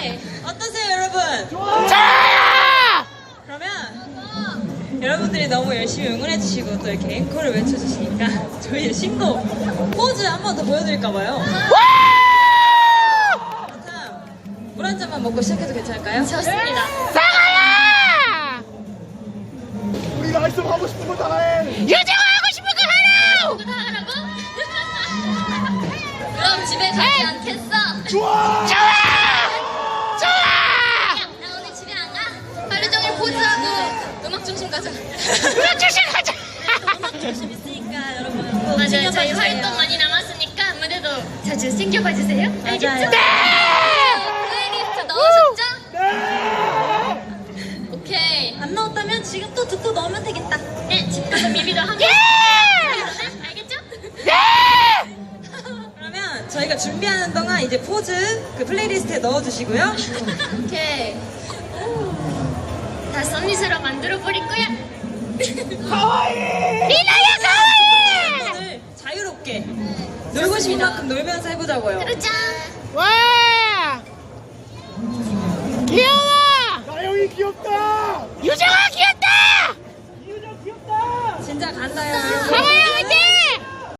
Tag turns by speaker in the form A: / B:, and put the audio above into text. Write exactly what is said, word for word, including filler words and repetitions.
A: 오케이. 어떠세요, 여러분?
B: 좋아요!
A: 그러면 여러분들이 너무 열심히 응원해주시고 또 이렇게 앵콜을 외쳐주시니까 저희의 신곡 포즈 한 번 더 보여드릴까봐요. 물 한 잔만 먹고 시작해도 괜찮을까요?
C: 좋습니다.
B: 사과야!
D: 우리 라이스 하고 싶은 거 다 해.
B: 유정아 하고 싶은 거 하라!
C: 누구 다 하라고? 그럼 집에 가지 않겠어?
D: 좋아.
B: 좋아! 좋아!
C: 야, 나 오늘 집에 안 가? 하루 종일 포즈하고 음악 중심 가자.
B: 그럼 조심 가자!
A: 음악 중심 있으니까 여러분 꼭
C: 맞아요.
A: 챙겨봐
C: 저희
A: 주세요.
C: 활동 많이 남았으니까 무대도 자주 챙겨봐 주세요. 알겠죠?
A: 맞아요.
C: 플레이리스트 넣으셨죠?
D: 네.
C: 오케이.
A: 안 넣었다면 지금 또 듣고 넣으면 되겠다.
C: 네, 집 가서 미비도 함께.
B: 예!
C: 알겠죠?
B: 네!
A: 그러면 저희가 준비하는 동안 이제 포즈 그 플레이리스트에 넣어주시고요.
C: 오케이. 다 썸밋으로 만들어 버릴 거야.
D: 가와이.
B: 리나야 가와이!
A: 오늘 자유롭게 놀고 싶은 만큼 놀면서 해보자고요.
C: 그러자.
B: 와! 귀여워!
D: 나영이 귀엽다.
B: 유정아 귀엽다!
D: 이유정 귀엽다.
A: 진짜 간다요.
B: 가와이!